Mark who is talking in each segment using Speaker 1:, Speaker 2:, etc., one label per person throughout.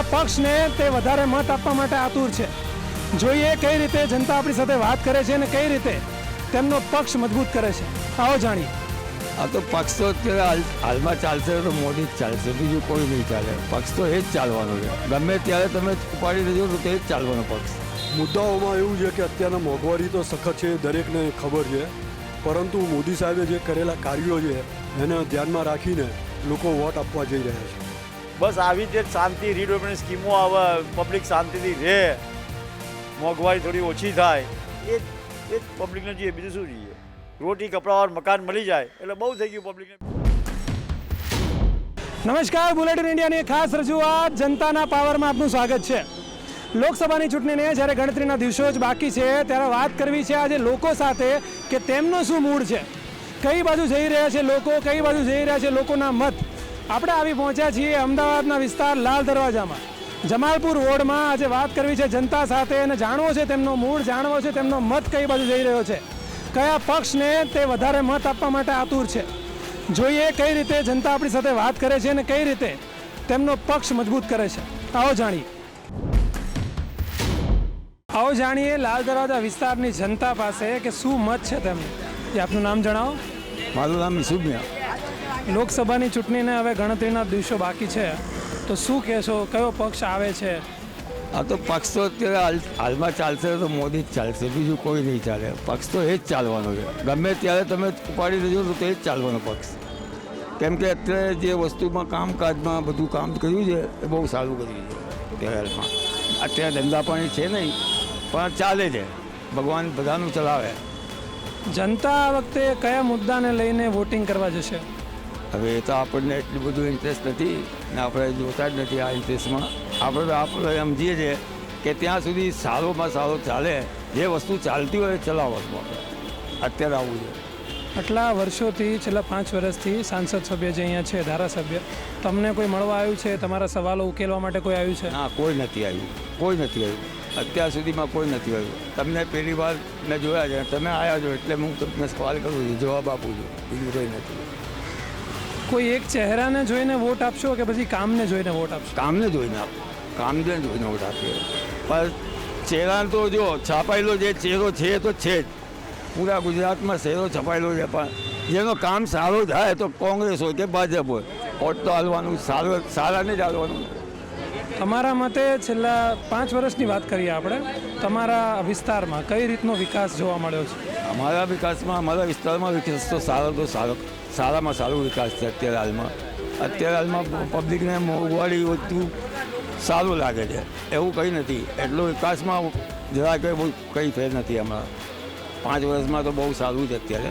Speaker 1: પક્ષને તે વધારે મત આપવા માટે આતુર છે। જોઈએ કઈ રીતે જનતા આપણી સાથે વાત કરે છે અને કઈ રીતે તેમનો પક્ષ મજબૂત કરે છે, આવો જાણીએ।
Speaker 2: આ તો પક્ષ તો અત્યારે હાલમાં ચાલશે તો મોદી જ ચાલશે, બીજું કોઈ નહીં ચાલે। પક્ષ તો એ જ ચાલવાનો છે, ગમે ત્યારે તમે ઉપાડી લેજો તો તે જ ચાલવાનો પક્ષ।
Speaker 3: મુદ્દાઓમાં એવું છે કે અત્યારના મોંઘવારી તો સખત છે, દરેકને ખબર છે, પરંતુ મોદી સાહેબે જે કરેલા કાર્યો છે એને ધ્યાનમાં રાખીને લોકો વોટ આપવા જઈ રહ્યા છે।
Speaker 4: બસ આવી જ શાંતિ રીડેવલપમેન્ટ સ્કીમો આવે, પબ્લિક શાંતિથી રહે, મોંઘવારી થોડી ઓછી થાય, એ જ પબ્લિકને જોઈએ, બીજું શું જોઈએ? રોટી કપડાં और મકાન મળી જાય એટલે બહુ થઈ ગયું પબ્લિકને।
Speaker 1: નમસ્કાર, બુલેટિન ઇન્ડિયાની ખાસ રજૂઆત જનતાના પાવરમાં આપનું સ્વાગત છે। લોકસભાની ચૂંટણીને જ્યારે ગણતરીના દિવસો જ બાકી છે ત્યારે વાત કરવી છે આજે લોકો સાથે કે તેમનો શું મૂડ છે, કઈ બાજુ જઈ રહ્યા છે લોકો, કઈ બાજુ જઈ રહ્યા છે લોકોના મત। આપણે આવી પહોંચ્યા છીએ અમદાવાદના વિસ્તાર લાલ દરવાજામાં, જમાલપુર વોર્ડમાં। આજે વાત કરવી છે જનતા સાથે અને જાણવો છે તેમનો મૂડ, જાણવો છે તેમનો મત કઈ બાજુ જઈ રહ્યો છે, કયા પક્ષને તે વધારે મત આપવા માટે આતુર છે। જોઈએ કઈ રીતે જનતા આપણી સાથે વાત કરે છે અને કઈ રીતે તેમનો પક્ષ મજબૂત કરે છે, આવો જાણીએ લાલ દરવાજા વિસ્તારની જનતા પાસે કે શું મત છે તેમને। એ આપનું નામ જણાવો।
Speaker 2: મારું નામ સુમ્યા।
Speaker 1: લોકસભાની ચૂંટણીને હવે ગણતરીના દિવસો બાકી છે તો શું કહેશો, કયો પક્ષ આવે છે?
Speaker 2: આ તો પક્ષ તો અત્યારે હાલમાં ચાલશે તો મોદી જ ચાલશે, બીજું કોઈ નહીં ચાલે। પક્ષ તો એ જ ચાલવાનો છે, ગમે ત્યારે તમે ઉપાડી લેજો તો તે જ ચાલવાનો પક્ષ। કેમ કે અત્યારે જે વસ્તુમાં કામકાજમાં બધું કામ કર્યું છે એ બહુ સારું કર્યું છે હાલમાં। અત્યારે ધંધા પાણી છે નહીં પણ ચાલે છે, ભગવાન બધાનું ચલાવે।
Speaker 1: જનતા આ વખતે કયા મુદ્દાને લઈને વોટિંગ કરવા જશે?
Speaker 2: હવે એ તો આપણને એટલું બધું ઇન્ટરેસ્ટ નથી ને આપણે જોતા જ નથી આ ઇન્ટરેસ્ટમાં। આપણે સમજીએ છીએ કે ત્યાં સુધી સારોમાં સારો ચાલે, જે વસ્તુ ચાલતી હોય એ ચલાવવાનું આપણે અત્યારે આવું છે।
Speaker 1: આટલા વર્ષોથી, છેલ્લા 5 વર્ષથી સાંસદ સભ્ય જે અહીંયા છે, ધારાસભ્ય, તમને કોઈ મળવા આવ્યું છે, તમારા સવાલો ઉકેલવા માટે કોઈ આવ્યું છે?
Speaker 2: ના, કોઈ નથી આવ્યું, કોઈ નથી આવ્યું, અત્યાર સુધીમાં કોઈ નથી આવ્યું। તમને પહેલી વાર મેં જોયા છે, તમે આવ્યા છો એટલે હું તમને સવાલ કરું છું, જવાબ આપું છું, બીજું કંઈ નથી।
Speaker 1: કોઈ એક ચહેરાને જોઈને વોટ આપશો કે પછી કામને જોઈને વોટ આપશો?
Speaker 2: કામને જોઈને આપો, કામને જોઈને વોટ આપીએ। પણ ચહેરા તો જો છાપાયેલો જે ચહેરો છે એ તો છે જ, પૂરા ગુજરાતમાં ચહેરો છપાયેલો છે, પણ જેનો કામ સારો થાય તો કોંગ્રેસ હોય કે ભાજપ હોય, વોટ તો હાલવાનું, સારાને જ હાલવાનું।
Speaker 1: તમારા મતે છેલ્લા 5 વર્ષની વાત કરીએ આપણે, તમારા વિસ્તારમાં કઈ રીતનો વિકાસ જોવા મળ્યો છે?
Speaker 2: અમારા વિકાસમાં, અમારા વિસ્તારમાં વિકાસ તો સારામાં સારો વિકાસ છે અત્યારે હાલમાં પબ્લિકને મોંઘવારી વધતું સારું લાગે છે, એવું કંઈ નથી। એટલો વિકાસમાં જરા કંઈ ફેર નથી હમણાં, 5 વર્ષમાં તો બહુ સારું છે અત્યારે।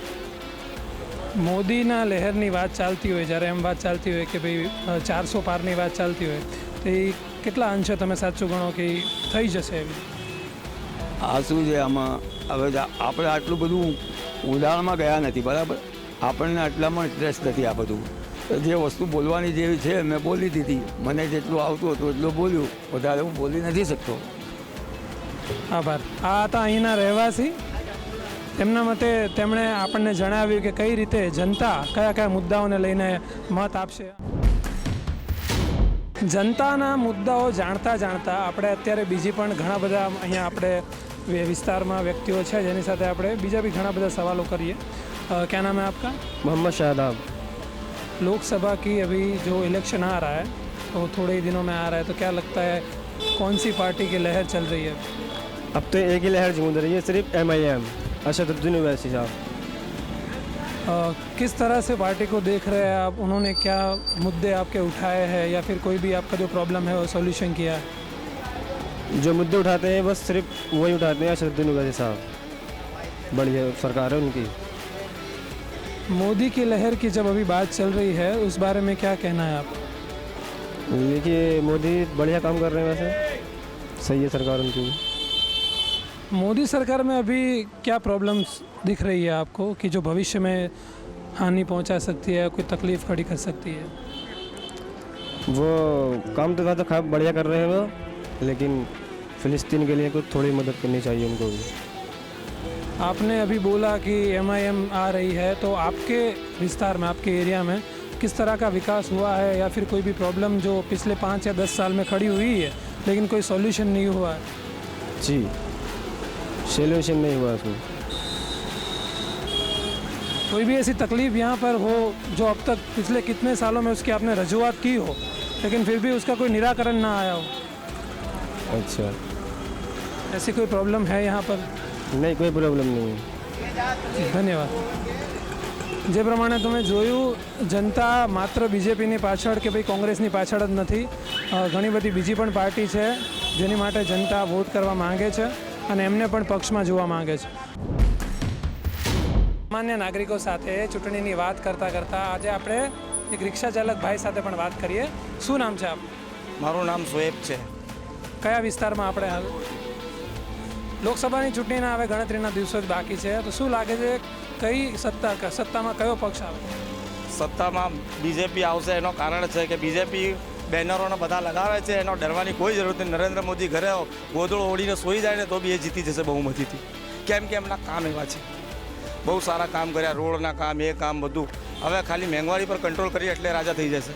Speaker 1: મોદીના લહેરની વાત ચાલતી હોય, જ્યારે એમ વાત ચાલતી હોય કે ભાઈ 400 પારની વાત ચાલતી હોય, તો એ કેટલા અંશે તમે સાચું ગણો કે થઈ જશે એવી?
Speaker 2: આ શું છે આમાં, હવે આપણે આટલું બધું ઉદાહરણમાં ગયા નથી, બરાબર? આપણને આટલામાં ઇન્ટરેસ્ટ નથી આ બધું। જે વસ્તુ બોલવાની જેવી છે મેં બોલી દીધી, મને જેટલું આવતું હતું એટલું બોલ્યું, વધારે હું બોલી નથી શકતો।
Speaker 1: આભાર। આ હતા અહીંના રહેવાસી, તેમના મતે તેમણે આપણને જણાવ્યું કે કઈ રીતે જનતા કયા કયા મુદ્દાઓને લઈને મત આપશે। જનતાના મુદ્દાઓ જાણતા આપણે અત્યારે બીજી પણ ઘણા બધા અહીંયા આપણે વિસ્તારમાં વ્યક્તિઓ છે જેની સાથે આપણે બીજા भी ઘણા બધા સવાલો કરીએ। क्या नाम है आपका?
Speaker 5: मोहम्मद शादाब।
Speaker 1: लोकसभा की अभी जो इलेक्शन आ रहा है तो थोड़े ही दिनों में आ रहा है, तो क्या लगता है कौन सी पार्टी की लहर चल रही है?
Speaker 5: अब तो एक ही लहर गूंज रही है, सिर्फ MIM, असदुद्दीन ओवैसी साहब।
Speaker 1: किस तरह से पार्टी को देख रहे हैं आप? उन्होंने क्या मुद्दे आपके उठाए हैं या फिर कोई भी आपका जो प्रॉब्लम है वो सोल्यूशन किया है?
Speaker 5: जो मुद्दे उठाते हैं बस सिर्फ वही उठाते हैं, असदुद्दीन ओवैसी साहब, बढ़िया सरकार है उनकी।
Speaker 1: मोदी की लहर की जब अभी बात चल रही है उस बारे में क्या कहना है आप?
Speaker 5: देखिए मोदी बढ़िया काम कर रहे हैं, वैसे सही है सरकार उनकी।
Speaker 1: मोदी सरकार में अभी क्या प्रॉब्लम्स दिख रही है आपको कि जो भविष्य में हानि पहुंचा सकती है, कोई तकलीफ खड़ी कर सकती है?
Speaker 5: वो काम तो ज़्यादा बढ़िया कर रहे हैं वो, लेकिन फ़िलिस्तीन के लिए कुछ थोड़ी मदद करनी चाहिए उनको भी।
Speaker 1: आपने अभी बोला कि MIM आ रही है, तो आपके विस्तार में, आपके एरिया में किस तरह का विकास हुआ है या फिर कोई भी प्रॉब्लम जो पिछले 5 या 10 साल में खड़ी हुई है लेकिन कोई सॉल्यूशन नहीं हुआ है?
Speaker 5: जी, सोल्यूशन नहीं हुआ उसमें।
Speaker 1: कोई भी ऐसी तकलीफ यहाँ पर हो जो अब तक पिछले कितने सालों में उसकी आपने रजूआत की हो लेकिन फिर भी उसका कोई निराकरण ना आया हो,
Speaker 5: अच्छा,
Speaker 1: ऐसी कोई प्रॉब्लम है यहाँ पर?
Speaker 5: नहीं, कोई प्रॉब्लम नहीं है।
Speaker 1: ધન્યવાદ. જે પ્રમાણે તમે જોયું, જનતા માત્ર બીજેપીની પાછળ કે ભાઈ કોંગ્રેસની પાછળ જ નથી, ઘણી બધી બીજી પણ પાર્ટી છે જેની માટે જનતા વોટ કરવા માંગે છે અને એમને પણ પક્ષમાં જોવા માંગે છે. સામાન્ય નાગરિકો સાથે ચૂંટણીની વાત કરતાં કરતાં આજે આપણે એક રિક્ષા ચાલક ભાઈ સાથે પણ વાત કરીએ. શું નામ છે આપ?
Speaker 6: મારું નામ શોએબ છે.
Speaker 1: કયા વિસ્તારમાં આપણે હાલ? લોકસભાની ચૂંટણીના હવે ગણતરીના દિવસો જ બાકી છે, તો શું લાગે છે કઈ સત્તામાં કયો પક્ષ આવે?
Speaker 6: સત્તામાં બીજેપી આવશે. એનો કારણ છે કે બીજેપી બેનરોને બધા લગાવે છે, એનો ડરવાની કોઈ જરૂર નથી. નરેન્દ્ર મોદી ઘરે ગોદડો ઓળીને સૂઈ જાય ને તો બી એ જીતી જશે બહુમતીથી, કેમ કે એમના કામ એવા છે. બહુ સારા કામ કર્યા, રોડના કામ, એ કામ બધું. હવે ખાલી મોંઘવારી પર કંટ્રોલ કરી એટલે રાજા થઈ જશે.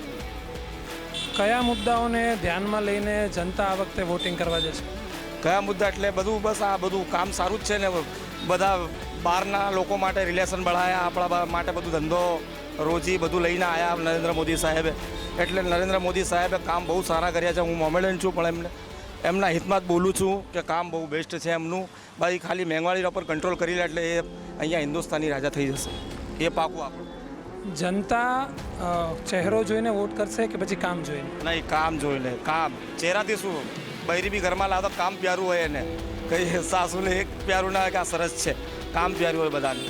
Speaker 1: કયા મુદ્દાઓને ધ્યાનમાં લઈને જનતા આ વખતે વોટિંગ કરવા જશે?
Speaker 6: કયા મુદ્દા એટલે બધું, બસ આ બધું કામ સારું જ છે ને. બધા બહારના લોકો માટે રિલેશન બઢાયા, આપણા માટે બધું ધંધો રોજી બધું લઈને આવ્યા નરેન્દ્ર મોદી સાહેબે. એટલે નરેન્દ્ર મોદી સાહેબે કામ બહુ સારા કર્યા છે. હું મોમેડન છું પણ એમના હિતમાં જ બોલું છું કે કામ બહુ બેસ્ટ છે એમનું. ભાઈ ખાલી મોંઘવારી પર કંટ્રોલ કરી લે એટલે એ અહીંયા હિન્દુસ્તાની રાજા થઈ જશે, એ પાકું આપણું.
Speaker 1: જનતા ચહેરો જોઈને વોટ કરશે કે પછી કામ જોઈને?
Speaker 6: નહીં, કામ જોઈને. કામ ચહેરાથી શું, બૈરી બી ઘરમાં લાવતો કામ પ્યારું હોય એને, કઈ સાસુને એક પ્યારું ના કે આ સરસ છે, કામ પ્યારું હોય બધાને.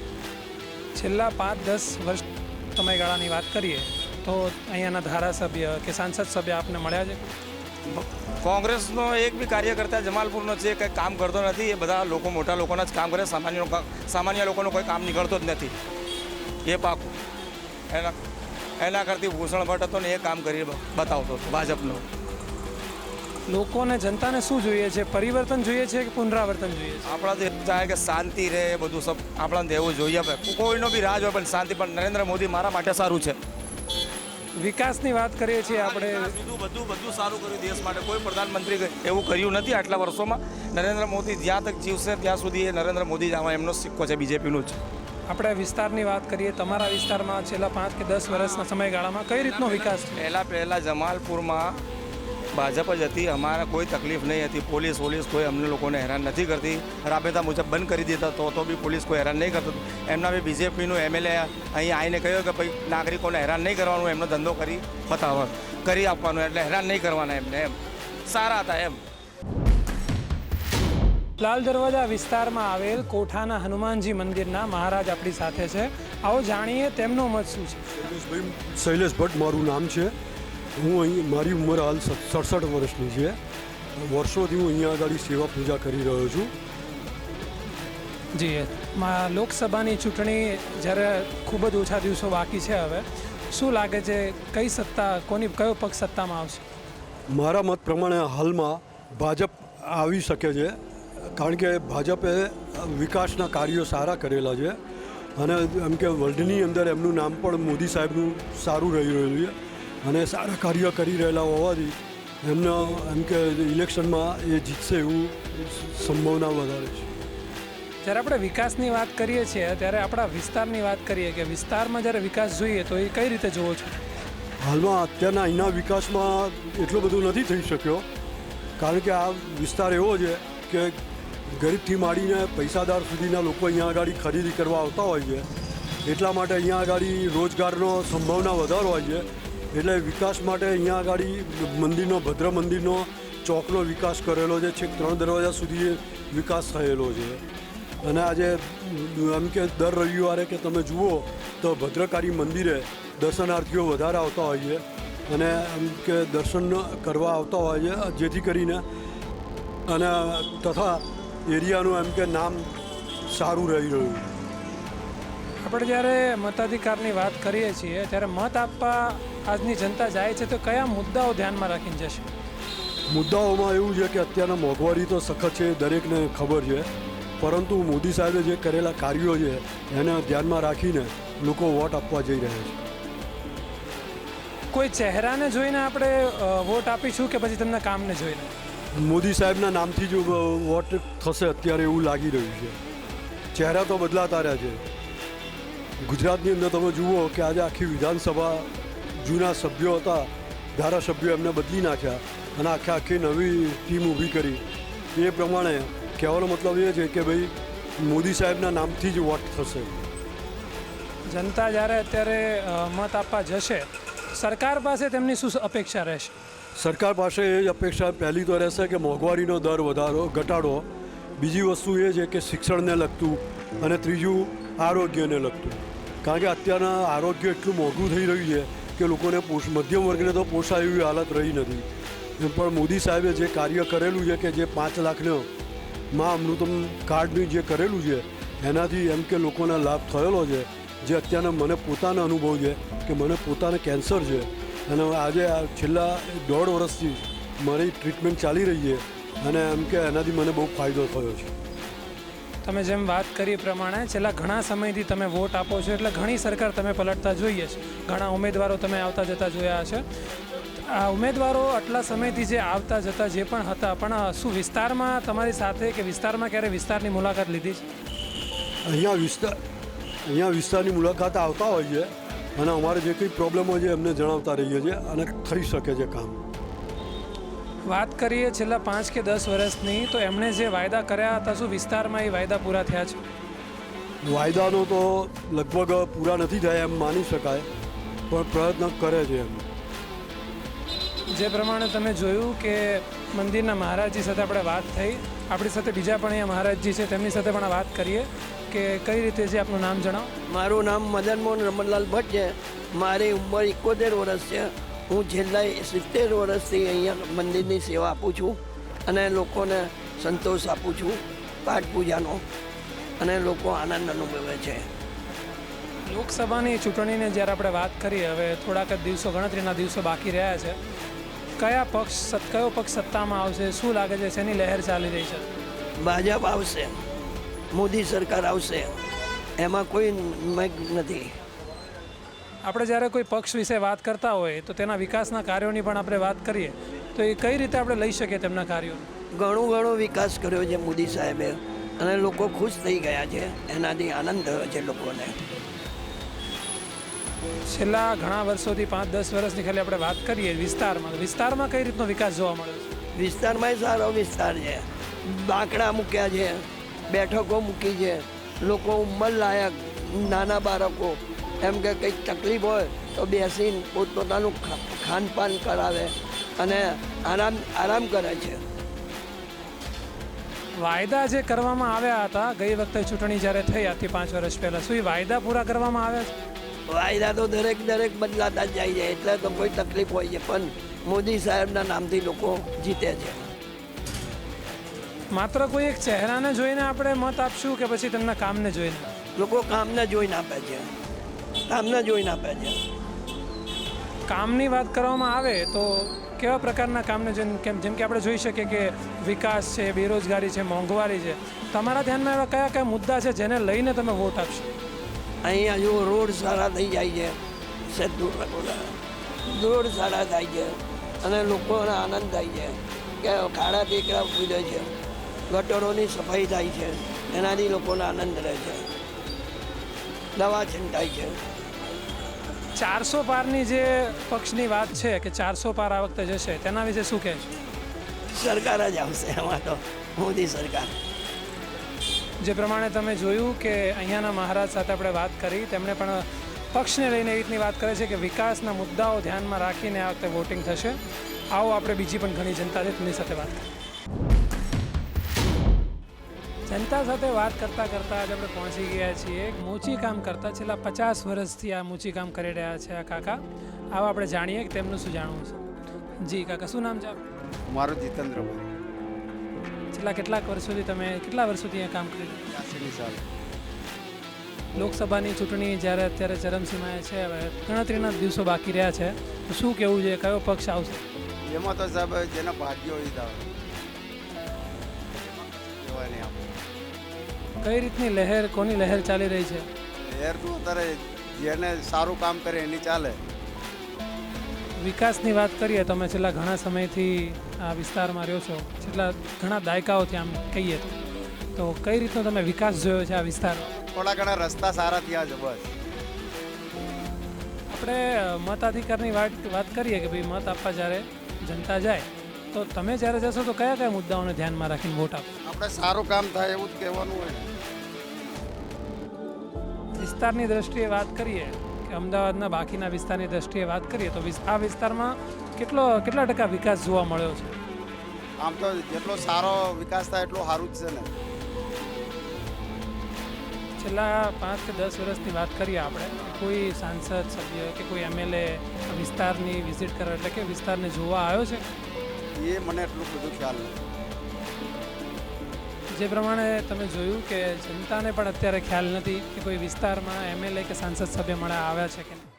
Speaker 1: છેલ્લા 5-10 વર્ષ સમયગાળાની વાત કરીએ તો અહીંયાના ધારાસભ્ય કે સાંસદ સભ્ય આપને મળ્યા છે?
Speaker 6: કોંગ્રેસનો એક બી કાર્યકર્તા જમાલપુરનો છે કંઈ કામ કરતો નથી. એ બધા લોકો મોટા લોકોના જ કામ કરે, સામાન્ય લોકોનો કોઈ કામ નીકળતો જ નથી, એ પાકું. એના કરતી ભૂષણ ભટ્ટ હતો ને એ કામ કરી બતાવતો હતો ભાજપનો.
Speaker 1: લોકોને જનતાને શું જોઈએ છે? પરિવર્તન જોઈએ છે કે પુનરાવર્તન જોઈએ છે?
Speaker 6: આપણા તો ચાહે કે શાંતિ રહે, બધું સબ આપણાને દેવું જોઈએ. કોઈનો બી રાજ હોય પણ શાંતિ. પણ નરેન્દ્ર મોદી મારા માટે સારું છે.
Speaker 1: વિકાસની વાત કરીએ છીએ આપણે,
Speaker 6: બધું સારું કર્યું દેશ માટે. કોઈ પ્રધાનમંત્રી એવું કર્યું નથી આટલા વર્ષોમાં. નરેન્દ્ર મોદી જ્યાં તક જીવશે ત્યાં સુધી એ નરેન્દ્ર મોદી જ આવા એમનો સિક્કો છે બીજેપીનું જ.
Speaker 1: આપણે વિસ્તારની વાત કરીએ, તમારા વિસ્તારમાં છેલ્લા 5 કે 10 વર્ષના સમયગાળામાં કઈ રીતનો વિકાસ છે?
Speaker 6: પહેલાં જમાલપુરમાં ભાજપ જ હતી. અમારે કોઈ તકલીફ નહીં હતી. પોલીસ કોઈ અમને લોકોને હેરાન નથી કરતી. રાબેતા મુજબ બંધ કરી દેતા તો બી પોલીસ કોઈ હેરાન નહીં કરતું. એમના બી બીજેપીનું એમએલએ અહીં આવીને કહ્યું કે ભાઈ નાગરિકોને હેરાન નહીં કરવાનું, એમનો ધંધો કરી આપવાનો, એટલે હેરાન નહીં કરવાના એમને. એમ સારા હતા એમ.
Speaker 1: લાલ દરવાજા વિસ્તારમાં આવેલ કોઠાના હનુમાનજી મંદિરના મહારાજ આપણી સાથે છે. આવો જાણીએ તેમનો મત શું છે.
Speaker 3: શૈલેષ ભટ્ટ મારું નામ છે. હું અહીં, મારી ઉંમર હાલ 67 વર્ષની છે. વર્ષોથી હું અહીંયા આગળ સેવા પૂજા કરી રહ્યો છું.
Speaker 1: જી, લોકસભાની ચૂંટણી જ્યારે ખૂબ જ ઓછા દિવસો બાકી છે, હવે શું લાગે છે કઈ સત્તા, કયો પક્ષ સત્તામાં આવશે?
Speaker 3: મારા મત પ્રમાણે હાલમાં ભાજપ આવી શકે છે, કારણ કે ભાજપે વિકાસના કાર્યો સારા કરેલા છે અને એમ કે વર્લ્ડની અંદર એમનું નામ પણ મોદી સાહેબનું સારું રહી રહ્યું છે અને સારા કાર્ય કરી રહેલા હોવાથી એમને એમ કે ઇલેક્શનમાં એ જીતશે એવું સંભાવના વધારે છે.
Speaker 1: જ્યારે આપણે વિકાસની વાત કરીએ છીએ ત્યારે આપણા વિસ્તારની વાત કરીએ કે વિસ્તારમાં જ્યારે વિકાસ જોઈએ તો એ કઈ રીતે જોવો છો?
Speaker 3: હાલમાં અત્યારના અહીંના વિકાસમાં એટલો બધો નથી થઈ શક્યો, કારણ કે આ વિસ્તાર એવો છે કે ગરીબથી માંડીને પૈસાદાર સુધીના લોકો અહીંયા આગળ ખરીદી કરવા આવતા હોય છે. એટલા માટે અહીંયા આગળ રોજગારનો સંભાવના વધારે હોય છે. એટલે વિકાસ માટે અહીંયા આગળ મંદિરનો, ભદ્ર મંદિરનો ચોકનો વિકાસ કરેલો છે. છેક 3 દરવાજા સુધી વિકાસ થયેલો છે. અને આજે એમ કે દર રવિવારે કે તમે જુઓ તો ભદ્રકાળી મંદિરે દર્શનાર્થીઓ વધારે આવતા હોય છે અને એમ કે દર્શન કરવા આવતા હોય છે, જેથી કરીને અને તથા એરિયાનું એમ કે નામ સારું રહી રહ્યું.
Speaker 1: આપણે જ્યારે મતાધિકારની વાત કરીએ છીએ ત્યારે મત આપવા આજની જનતા જાય છે તો કયા મુદ્દાઓ ધ્યાનમાં રાખીને જશે?
Speaker 3: મુદ્દાઓમાં એવું છે કે અત્યારના મોંઘવારી તો સખત છે, દરેકને ખબર છે, પરંતુ મોદી સાહેબે જે કરેલા કાર્યો છે એને ધ્યાનમાં રાખીને લોકો વોટ આપવા જઈ રહ્યા છે.
Speaker 1: કોઈ ચહેરાને જોઈને આપણે વોટ આપીશું કે પછી તેમના કામને જોઈને?
Speaker 3: મોદી સાહેબના નામથી જ વોટ થશે અત્યારે એવું લાગી રહ્યું છે. ચહેરા તો બદલાતા રહ્યા છે. ગુજરાતની અંદર તમે જુઓ કે આજે આખી વિધાનસભા જૂના સભ્યો હતા, ધારાસભ્યો એમને બદલી નાખ્યા અને આખી નવી ટીમ ઊભી કરી. એ પ્રમાણે કહેવાનો મતલબ એ છે કે ભાઈ મોદી સાહેબના નામથી જ વોટ થશે.
Speaker 1: જનતા જ્યારે અત્યારે મત આપવા જશે, સરકાર પાસે તેમની શું અપેક્ષા રહેશે?
Speaker 3: સરકાર પાસે એ જ અપેક્ષા પહેલી તો રહેશે કે મોંઘવારીનો દર ઘટાડો, બીજી વસ્તુ એ છે કે શિક્ષણને લગતું, અને ત્રીજું આરોગ્યને લગતું. કારણ કે અત્યારના આરોગ્ય એટલું મોંઘું થઈ રહ્યું છે કે લોકોને મધ્યમ વર્ગને તો પોસાય એવી હાલત રહી નથી. પણ મોદી સાહેબે જે કાર્ય કરેલું છે કે જે 5 લાખનો મા અમૃતમ કાર્ડનું જે કરેલું છે એનાથી એમ કે લોકોને લાભ થયેલો છે. જે અત્યારના મને પોતાનો અનુભવ છે કે મને પોતાને કેન્સર છે અને આજે છેલ્લા 1.5 વર્ષથી મારી ટ્રીટમેન્ટ ચાલી રહી છે અને એમ કે એનાથી મને બહુ ફાયદો થયો છે.
Speaker 1: તમે જેમ વાત કરી પ્રમાણે છેલ્લા ઘણા સમયથી તમે વોટ આપો છો એટલે ઘણી સરકાર તમે પલટતા જોઈએ છે, ઘણા ઉમેદવારો તમે આવતા જતા જોયા છે. આ ઉમેદવારો આટલા સમયથી જે આવતા જતા જે પણ હતા, પણ શું વિસ્તારમાં તમારી સાથે કે વિસ્તારમાં ક્યારે વિસ્તારની મુલાકાત લીધી છે?
Speaker 3: અહીંયા વિસ્તારની મુલાકાત આવતા હોય છે અને અમારે જે કંઈ પ્રોબ્લેમ હોય છે એમને જણાવતા રહીએ છીએ અને થઈ શકે છે કામ.
Speaker 1: વાત કરીએ છેલ્લા 5 કે 10 વર્ષની, તો એમણે જે વાયદા કર્યા હતા શું વિસ્તારમાં એ વાયદા પૂરા થયા છે?
Speaker 3: વાયદાનો તો લગભગ પૂરા નથી થયા એમ માની શકાય, પણ પ્રયત્ન કરે છે એમ.
Speaker 1: જે પ્રમાણે તમે જોયું કે મંદિરના મહારાજજી સાથે આપણે વાત થઈ, આપણી સાથે બીજા પણ અહીંયા મહારાજજી છે, તેમની સાથે પણ વાત કરીએ કે કઈ રીતે છે. આપનું નામ જણાવો.
Speaker 7: મારું નામ મદન મોહન રમણલાલ ભટ્ટ છે. મારી ઉંમર 71 વર્ષ છે. હું છેલ્લા 70 વર્ષથી અહીંયા મંદિરની સેવા આપું છું અને લોકોને સંતોષ આપું છું પાઠ પૂજાનો, અને લોકો આનંદ અનુભવે છે.
Speaker 1: લોકસભાની ચૂંટણીને જ્યારે આપણે વાત કરીએ, હવે થોડાક જ દિવસો, ગણતરીના દિવસો બાકી રહ્યા છે, કયો પક્ષ સત્તામાં આવશે? શું લાગે છે, શેની લહેર ચાલી રહી છે?
Speaker 7: ભાજપ આવશે, મોદી સરકાર આવશે, એમાં કોઈ મેઘ નથી.
Speaker 1: આપણે જ્યારે કોઈ પક્ષ વિશે વાત કરતા હોય તો તેના વિકાસના કાર્યોની પણ આપણે વાત કરીએ તો એ કઈ રીતે આપણે લઈ શકીએ તેમના કાર્યો?
Speaker 7: ઘણો વિકાસ કર્યો છે મોદી સાહેબે અને લોકો ખુશ થઈ ગયા છે, એનાથી આનંદ થયો છે લોકોને.
Speaker 1: છેલ્લા ઘણા વર્ષોથી 5-10 વર્ષની ખાલી આપણે વાત કરીએ વિસ્તારમાં કઈ રીતનો વિકાસ જોવા મળ્યો છે?
Speaker 7: વિસ્તારમાં સારો વિસ્તાર છે. બાંકડા મૂક્યા છે, બેઠકો મૂકી છે, લોકો ઉંમર લાયક નાના બાળકો એમ કે કંઈક તકલીફ હોય તો બેસીને પોતપોતાનું ખાનપાન કરાવે અને આરામ કરે છે.
Speaker 1: વાયદા જે કરવામાં આવ્યા હતા ગઈ વખતે ચૂંટણી જ્યારે થઈ આજથી 5 વર્ષ પહેલાં, શું એ વાયદા પૂરા કરવામાં આવ્યા છે?
Speaker 7: વાયદા તો દરેક બદલાતા જ જાય છે, એટલે તો કોઈ તકલીફ હોય છે, પણ મોદી સાહેબના નામથી લોકો જીતે છે.
Speaker 1: માત્ર કોઈ એક ચહેરાને જોઈને આપણે મત આપશું કે પછી તેમના કામને જોઈને?
Speaker 7: લોકો કામને જોઈને આપે છે.
Speaker 1: કામની વાત કરવામાં આવે તો કેવા પ્રકારના કામને જોઈને? જેમ કે આપણે જોઈ શકીએ કે વિકાસ છે, બેરોજગારી છે, મોંઘવારી છે. તમારા ધ્યાનમાં એવા કયા મુદ્દા છે જેને લઈને તમે વોટ આપશો?
Speaker 7: અહીંયા જો રોડ સારા થઈ જાય છે, રોડ સારા થાય છે અને લોકોને આનંદ થાય છે કે ખાડા ટેકરા પૂજે છે, ગટરોની સફાઈ થાય છે, એનાથી લોકોને આનંદ રહે છે, દવા છંટાય છે.
Speaker 1: 400 પારની જે પક્ષની વાત છે કે 400 પાર આ વખતે જશે, તેના વિશે શું કહેશો?
Speaker 7: સરકાર જ આવશે એમાં તો, મોદી સરકાર.
Speaker 1: જે પ્રમાણે તમે જોયું કે અહીંયાના મહારાજ સાથે આપણે વાત કરી, તેમણે પણ પક્ષને લઈને એ રીતની વાત કરે છે કે વિકાસના મુદ્દાઓ ધ્યાનમાં રાખીને આ વખતે વોટિંગ થશે. આવો આપણે બીજી પણ ઘણી જનતા છે તેમની સાથે વાત કરીએ. જનતા સાથે વાત કરતાં આજે આપણે પહોંચી ગયા છીએ મોચી કામ કરતા, છેલ્લા 50 વર્ષથી આ મોચી કામ કરી રહ્યા છે આ કાકા. આવો આપણે જાણીએ કે તેમનું શું જાણવું છે. જી કાકા, શું નામ છે આપનું?
Speaker 8: મારું જીતેન્દ્રભાઈ.
Speaker 1: છેલ્લા કેટલા વર્ષોથી અહીંયા કામ કરી રહ્યા?
Speaker 8: 80 સાલ.
Speaker 1: લોકસભાની ચૂંટણી જ્યારે અત્યારે ચરમસીમાએ છે, હવે ગણતરીના દિવસો બાકી રહ્યા છે, તો શું કહેવું છે, કયો પક્ષ આવશે?
Speaker 8: એમાં તો સાહેબ જેના ભાગ્ય હોય તો કહેવાય નહીં આપણે.
Speaker 1: કઈ રીતની લહેર, કોની લહેર ચાલી રહી છે?
Speaker 8: લહેર તો અત્યારે જેને સારું કામ કરે એની ચાલે.
Speaker 1: વિકાસની વાત કરીએ, તમે છેલ્લા ઘણા સમયથી આ વિસ્તારમાં રહ્યો છો, છેલ્લા ઘણા દાયકાઓથી આમ કહીએ તો કઈ રીતનો તમે વિકાસ જોયો છે આ વિસ્તારમાં?
Speaker 8: થોડા ઘણા રસ્તા સારા થયા છે બસ.
Speaker 1: આપણે મતાધિકારની વાત કરીએ કે ભાઈ મત આપવા જ્યારે જનતા જાય તો તમે જ્યારે જશો તો કયા કયા મુદ્દાઓને ધ્યાનમાં રાખીને વોટ આપો?
Speaker 8: આપણે સારું કામ થાય એવું જ કહેવાનું હોય ને.
Speaker 1: વિસ્તારની દ્રષ્ટિએ વાત કરીએ કે અમદાવાદના બાકીના વિસ્તારની દ્રષ્ટિએ વાત કરીએ તો આ વિસ્તારમાં કેટલા ટકા વિકાસ જોવા મળ્યો છે?
Speaker 8: આમ તો જેટલો સારો વિકાસ થાય એટલો સારું જ છે ને.
Speaker 1: છેલ્લા 5 કે 10 વર્ષની વાત કરીએ આપણે, કોઈ સાંસદ સભ્ય કે કોઈ એમએલએ વિસ્તારની વિઝિટ કરવા એટલે કે વિસ્તારને જોવા આવ્યો છે?
Speaker 8: એ મને એટલું બધું ખ્યાલ નથી.
Speaker 1: જે પ્રમાણે તમે જોયું કે જનતાને પણ અત્યારે ખ્યાલ નથી કે કોઈ વિસ્તારમાં એમએલએ કે સાંસદ સભ્ય મળે આવ્યા છે કે નહીં.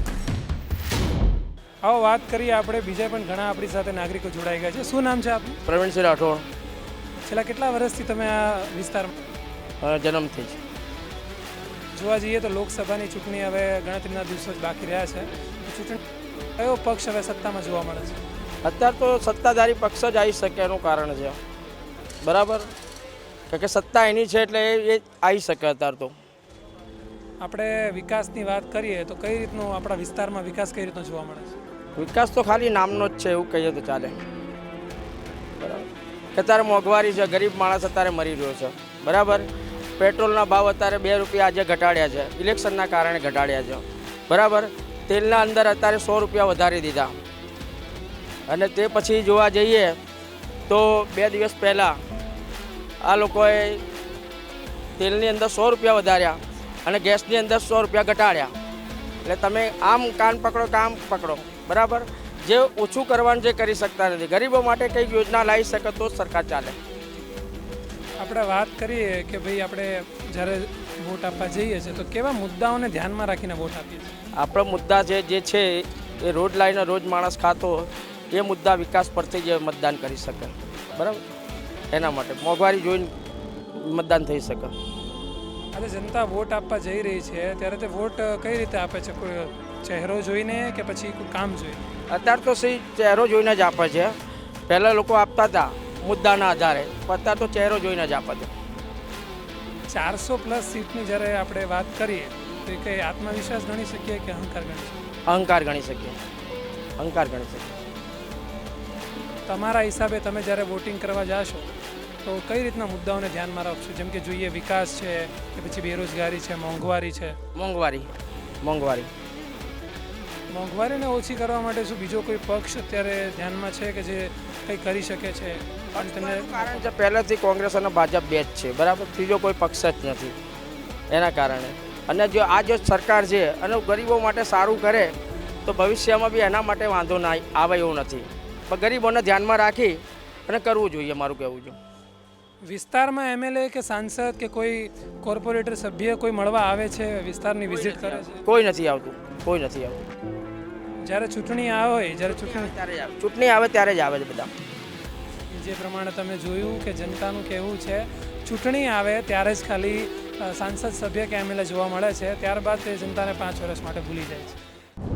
Speaker 1: આવો વાત કરીએ આપણે, બીજા પણ ઘણા આપણી સાથે નાગરિકો જોડાઈ ગયા છે. શું નામ છે આપનું?
Speaker 9: પ્રવીણસિંહ રાઠોડ.
Speaker 1: છેલ્લા કેટલા વર્ષથી તમે આ વિસ્તારમાં?
Speaker 9: જન્મથી જ.
Speaker 1: જોવા જઈએ તો લોકસભાની ચૂંટણી હવે ગણતરીના દિવસો જ બાકી રહ્યા છે. ચૂંટણી કયો પક્ષ હવે સત્તામાં જોવા મળે છે?
Speaker 9: અત્યારે તો સત્તાધારી પક્ષ જ આવી શકે એનું કારણ છે, બરાબર, કે સત્તા એની છે એટલે એ આવી શકે. અત્યારે તો
Speaker 1: આપણે વિકાસની વાત કરીએ તો કઈ રીતનો આપણા વિસ્તારમાં વિકાસ કઈ રીતનો જોવા મળે છે?
Speaker 9: વિકાસ તો ખાલી નામનો જ છે એવું કહીએ તો ચાલે, બરાબર. કે અત્યારે મોંઘવારી છે, ગરીબ માણસ અત્યારે મરી રહ્યો છે, બરાબર. પેટ્રોલના ભાવ અત્યારે 2 રૂપિયા આજે ઘટાડ્યા છે, ઇલેક્શનના કારણે ઘટાડ્યા છે, બરાબર. તેલના અંદર અત્યારે 100 રૂપિયા વધારી દીધા. અને તે પછી જોવા જઈએ તો 2 દિવસ પહેલાં આ લોકોએ તેલની અંદર 100 રૂપિયા વધાર્યા અને ગેસની અંદર 100 રૂપિયા ઘટાડ્યા. એટલે તમે આમ કાન પકડો કામ પકડો, બરાબર. જે ઓછું કરવાનું જે કરી શકતા નથી, ગરીબો માટે કંઈક યોજના લાવી શકે તો જ સરકાર ચાલે.
Speaker 1: આપણે વાત કરીએ કે ભાઈ આપણે જ્યારે વોટ આપવા જઈએ છીએ તો કેવા મુદ્દાઓને ધ્યાનમાં રાખીને વોટ આપીએ છીએ?
Speaker 9: આપણો મુદ્દા જે છે એ રોજ લાવીને રોજ માણસ ખાતો એ મુદ્દા વિકાસ પરથી જ મતદાન કરી શકે, બરાબર. એના માટે મોંઘવારી જોઈને મતદાન થઈ શકે.
Speaker 1: આજે જનતા વોટ આપવા જઈ રહી છે ત્યારે તે વોટ કઈ રીતે આપે છે? કોઈ ચહેરો જોઈને કે પછી કોઈ કામ જોઈને?
Speaker 9: અત્યારે તો સહી ચહેરો જોઈને જ આપે છે. પહેલાં લોકો આપતા હતા મુદ્દાના આધારે, પણ અત્યારે તો ચહેરો જોઈને જ આપે છે.
Speaker 1: 400+ સીટની જ્યારે આપણે વાત કરીએ તો એ કંઈ આત્મવિશ્વાસ ગણી શકીએ કે અહંકાર ગણી શકીએ?
Speaker 9: અહંકાર ગણી શકીએ, અહંકાર ગણી શકીએ.
Speaker 1: તમારા હિસાબે તમે જ્યારે વોટિંગ કરવા જાશો તો કઈ રીતના મુદ્દાઓને ધ્યાનમાં રાખશો? જેમ કે જોઈએ વિકાસ છે કે પછી બેરોજગારી છે, મોંઘવારી છે? મોંઘવારીને ઓછી કરવા માટે શું બીજો કોઈ પક્ષ અત્યારે ધ્યાનમાં છે કે જે કંઈ કરી શકે છે?
Speaker 9: પણ તમને કારણ છે પહેલાંથી કોંગ્રેસ અને ભાજપ બે જ છે, બરાબર. ત્રીજો કોઈ પક્ષ જ નથી એના કારણે. અને જો આ જો સરકાર છે અને ગરીબો માટે સારું કરે તો ભવિષ્યમાં બી એના માટે વાંધો ના આવે એવું નથી, પણ ગરીબોને ધ્યાનમાં રાખી અને કરવું જોઈએ, મારું કહેવું છે.
Speaker 1: વિસ્તારમાં એમએલએ કે સાંસદ કે કોઈ કોર્પોરેટર સભ્ય કોઈ મળવા આવે છે, વિસ્તારની વિઝિટ કરે છે?
Speaker 9: કોઈ નથી આવતું, કોઈ નથી આવતું.
Speaker 1: જ્યારે ચૂંટણી આવે ત્યારે
Speaker 9: ચૂંટણી આવે ત્યારે જ આવે છે બધા.
Speaker 1: જે પ્રમાણે તમે જોયું કે જનતાનું કહેવું છે ચૂંટણી આવે ત્યારે જ ખાલી સાંસદ સભ્ય કે એમએલએ જોવા મળે છે, ત્યારબાદ તે જનતાને 5 વર્ષ માટે ભૂલી જાય છે.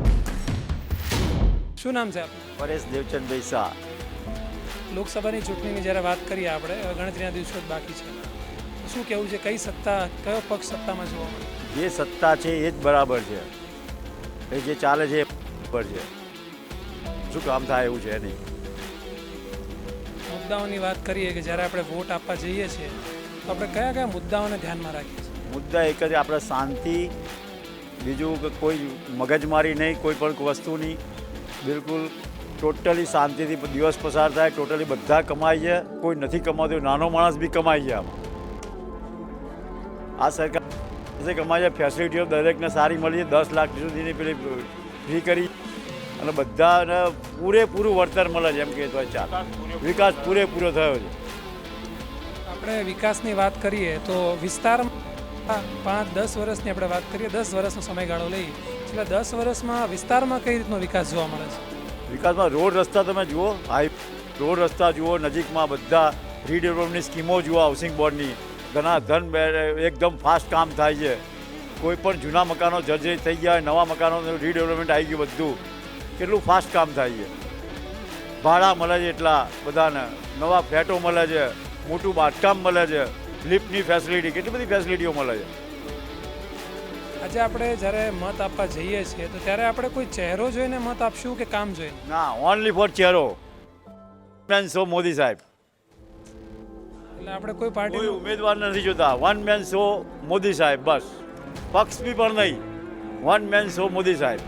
Speaker 1: શું નામ છે આપનું?
Speaker 4: પરેશ દેવચંદભાઈ શાહ.
Speaker 1: લોકસભાની ચૂંટણીની જ્યારે વાત કરીએ આપણે, ગણતરીના દિવસો જ બાકી છે, શું કહેવું છે? કઈ સત્તા, કયો પક્ષ સત્તામાં જોવા મળે?
Speaker 4: જે સત્તા છે એ જ બરાબર છે, એ જે ચાલે છે એ બરાબર છે. શું કામ થાય એવું છે નહીં.
Speaker 1: મુદ્દાઓની વાત કરીએ કે જ્યારે આપણે વોટ આપવા જઈએ છીએ તો આપણે કયા કયા મુદ્દાઓને ધ્યાનમાં રાખીએ છીએ?
Speaker 4: મુદ્દા એક જ, આપણે શાંતિ, બીજું કે કોઈ મગજમારી નહીં, કોઈ પણ વસ્તુની બિલકુલ ટોટલી શાંતિથી દિવસ પસાર થાય. ટોટલી બધા કમાય છે, કોઈ નથી કમાતું, નાનો માણસ બી કમાય છે. આમાં આ સરકાર કમાય છે, ફેસિલિટીઓ દરેકને સારી મળી છે. 10 લાખ સુધીની પેલી ફ્રી કરી અને બધાને પૂરેપૂરું વળતર મળે છે, એમ કે તો ચાલ વિકાસ પૂરેપૂરો થયો છે.
Speaker 1: આપણે વિકાસની વાત કરીએ તો વિસ્તારમાં 5-10 વર્ષની આપણે વાત કરીએ, 10 વર્ષનો સમયગાળો લઈએ, છેલ્લા 10 વર્ષમાં વિસ્તારમાં કઈ રીતનો વિકાસ જોવા મળે છે?
Speaker 4: વિકાસમાં રોડ રસ્તા તમે જુઓ, રોડ રસ્તા જુઓ, નજીકમાં બધા રીડેવલપમેન્ટની સ્કીમો જુઓ, હાઉસિંગ બોર્ડની ઘણા ધન એકદમ ફાસ્ટ કામ થાય છે. કોઈ પણ જૂના મકાનો જર્જરિત થઈ ગયા હોય, નવા મકાનો રીડેવલપમેન્ટ આવી ગયું બધું. કેટલું ફાસ્ટ કામ થાય છે. ભાડા મળે છે એટલા બધાને, નવા ફ્લેટો મળે છે, મોટું બાંધકામ મળે છે, લિફ્ટની ફેસિલિટી, કેટલી બધી ફેસિલિટીઓ મળે છે.
Speaker 1: આજે આપણે જ્યારે મત આપવા જઈએ છીએ તો ત્યારે આપણે કોઈ ચહેરો જોઈને મત આપશું કે કામ જોઈને?
Speaker 4: ના, ઓનલી ફોર ચહેરો. મેન શો મોદી સાહેબ.
Speaker 1: એટલે આપણે કોઈ પાર્ટી
Speaker 4: કોઈ ઉમેદવાર નથી જોતા. વન મેન શો મોદી સાહેબ, બસ. પક્ષ બી પણ નહીં, વન મેન શો મોદી સાહેબ.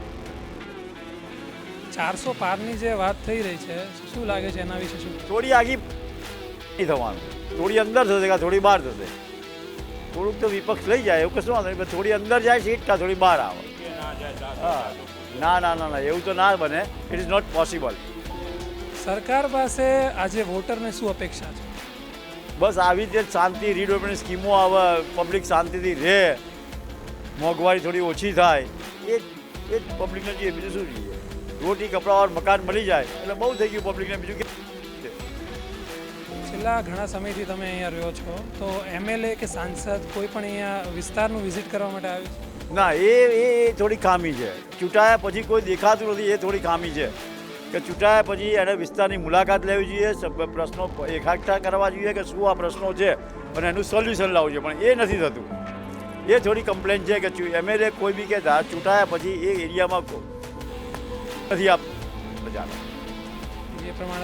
Speaker 1: 400 પારની જે વાત થઈ રહી છે, શું લાગે છે એના વિશે શું?
Speaker 4: થોડી આગી નહીં થવાનું, થોડી અંદર થશે કે થોડી બહાર થશે. થોડુંક તો વિપક્ષ લઈ જાય એવું કશું વાંધો નહીં, થોડી અંદર જાય સીટ કાં થોડી બહાર આવે. હા, ના ના ના ના, એવું તો ના બને. It is not possible.
Speaker 1: સરકાર પાસે આજે વોટરને શું અપેક્ષા છે?
Speaker 4: બસ આવી રીતે શાંતિ, રીડેવલપમેન્ટ સ્કીમો આવે, પબ્લિક શાંતિથી રહે, મોંઘવારી થોડી ઓછી થાય, એ જ પબ્લિકને જોઈએ, બીજું શું જોઈએ? રોટી કપડાં ઓર મકાન મળી જાય એટલે બહુ થઈ ગયું પબ્લિકને. બીજું કે
Speaker 1: છેલ્લા ઘણા સમયથી તમે અહીંયા રહ્યો છો, તો એમએલએ કે સાંસદ કોઈ પણ અહીંયા વિસ્તારનું વિઝિટ કરવા માટે આવ્યું છે?
Speaker 4: ના, એ થોડી ખામી છે. ચૂંટાયા પછી કોઈ દેખાતું નથી, એ થોડી ખામી છે. કે ચૂંટાયા પછી એને વિસ્તારની મુલાકાત લેવી જોઈએ, પ્રશ્નો એકઠા કરવા જોઈએ કે શું આ પ્રશ્નો છે અને એનું સોલ્યુશન લાવવું જોઈએ, પણ એ નથી થતું. એ થોડી કમ્પ્લેન છે કે એમએલએ કોઈ બી કે ચૂંટાયા પછી એ એરિયામાં નથી આપતા.
Speaker 1: એ પ્રમાણે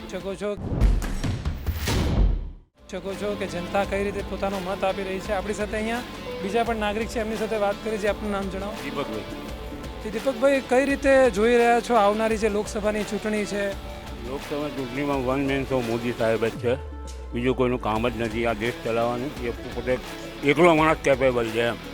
Speaker 1: શકો છો કે જનતા કઈ રીતે પોતાનો મત આપી રહી છે. આપણી સાથે અહીંયા બીજા પણ નાગરિક છે, એમની સાથે વાત કરી છે. આપનું નામ જણાવો.
Speaker 10: દીપકભાઈ.
Speaker 1: દીપકભાઈ, કઈ રીતે જોઈ રહ્યા છો આવનારી જે લોકસભાની ચૂંટણી છે?
Speaker 10: લોકસભા ચૂંટણીમાં વન મેન શો મોદી સાહેબ જ છે, બીજું કોઈનું કામ જ નથી આ દેશ ચલાવવાનું. એ પોતે એકલો માણસ કેપેબલ છે એમ.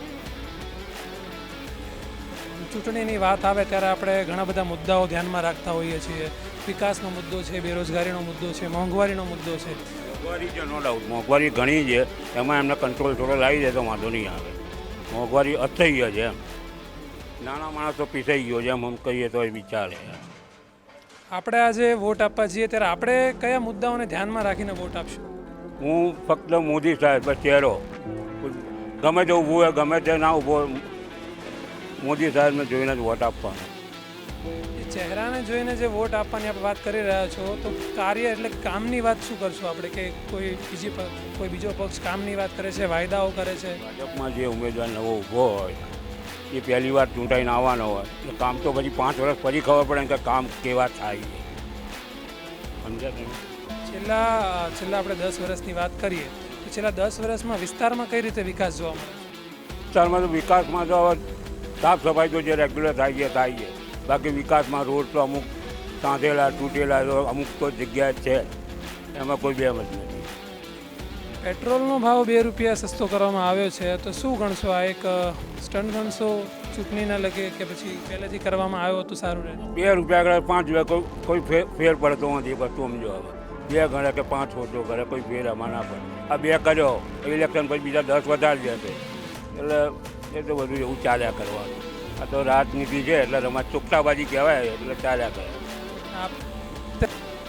Speaker 1: ચૂંટણીની વાત આવે ત્યારે આપણે ઘણા બધા મુદ્દાઓ ધ્યાનમાં રાખતા હોઈએ છીએ. વિકાસનો મુદ્દો છે, બેરોજગારીનો મુદ્દો છે, મોંઘવારીનો મુદ્દો છે.
Speaker 10: મોંઘવારી છે, નો ડાઉટ મોંઘવારી ઘણી છે, એમાં એમને કંટ્રોલ થોડો લાવી દે તો વાંધો નહીં આવે. મોંઘવારી અસહ્ય છે એમ, નાના માણસો પીસાઈ ગયો છે એમ આમ કહીએ તો એ વિચારે.
Speaker 1: આપણે આજે વોટ આપવા જઈએ ત્યારે આપણે કયા મુદ્દાઓને ધ્યાનમાં રાખીને વોટ આપશું?
Speaker 10: હું ફક્ત મોદી સાહેબ બસ ચહેરો, ગમે તે ઊભું હોય ગમે તે ના ઊભો, મોદી સાહેબને જોઈને જ વોટ આપવાનો.
Speaker 1: એ ચહેરાને જોઈને જે વોટ આપવાની આપણે વાત કરી રહ્યા છો, તો કાર્ય એટલે કામની વાત શું કરશું આપણે? કે કોઈ બીજો પક્ષ કામની વાત કરે છે, વાયદાઓ કરે છે?
Speaker 10: ભાજપમાં જે ઉમેદવાર નવો ઊભો હોય એ પહેલી વાર ચૂંટાઈને આવવાનો હોય એટલે કામ તો પછી 5 વર્ષ પછી ખબર પડે કે કામ કેવા થાય છે. સમજ્યા તમે?
Speaker 1: છેલ્લા આપણે 10 વર્ષની વાત કરીએ તો છેલ્લા 10 વર્ષમાં વિસ્તારમાં કઈ રીતે વિકાસ જોવા મળે છે?
Speaker 10: વિસ્તારમાં તો વિકાસમાં તો હવે સાફ સફાઈ તો જે રેગ્યુલર થાય છે, બાકી વિકાસમાં રોડ તો અમુક સાંધેલા તૂટેલા અમુક તો જગ્યાએ છે, એમાં કોઈ બેમ જ નથી.
Speaker 1: પેટ્રોલનો ભાવ 2 રૂપિયા સસ્તો કરવામાં આવ્યો છે, તો શું ગણશો? આ એક સ્ટન્ટ ગણશો ચૂંટણીના લગે કે પછી પહેલેથી કરવામાં આવ્યો તો સારું રહે?
Speaker 10: 2 રૂપિયા આગળ 5 રૂપિયા કોઈ ફેર પડતો નથી. બધું સમજો હવે 2 ગણે કે 5 ઓછો કરે કોઈ ફેર આમાં ના પડે. આ 2 કર્યો ઇલેક્શન પછી બીજા 10 વધારી જશે એટલે એ તો બધું એવું ચાલ્યા કરવાનું. આ તો રાજનીતિ છે એટલે રમત ચોખ્ખાબાજી કહેવાય એટલે ચાલ્યા કરે.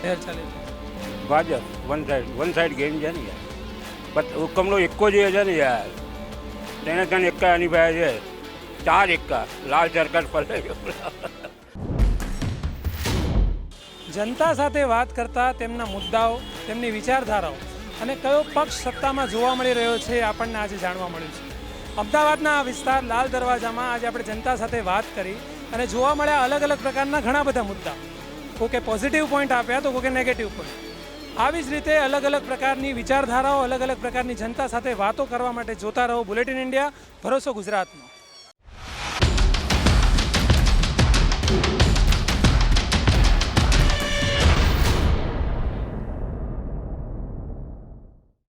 Speaker 10: ભાજપ વન સાઈડ ગેમ છે ને યાર. પણ હુકમનો એકો જ છે ને યાર, તેને ત્યાં એકા આની ભાઈ છે, 4 એકા લાલ સરકાર ફરે.
Speaker 1: જનતા સાથે વાત કરતા તેમના મુદ્દાઓ, તેમની વિચારધારાઓ અને કયો પક્ષ સત્તામાં જોવા મળી રહ્યો છે એ આપણને આજે જાણવા મળ્યું છે. અમદાવાદના આ વિસ્તાર લાલ દરવાજામાં આજે આપણે જનતા સાથે વાત કરી અને જોવા મળ્યા અલગ અલગ પ્રકારના ઘણા બધા મુદ્દા. કોકે પોઝિટિવ પોઈન્ટ આપ્યા તો કોકે નેગેટિવ પોઈન્ટ. આવી જ રીતે અલગ અલગ પ્રકારની વિચારધારાઓ, અલગ અલગ પ્રકારની જનતા સાથે વાતો કરવા માટે જોતા રહો બુલેટિન ઇન્ડિયા, ભરોસો ગુજરાતનો.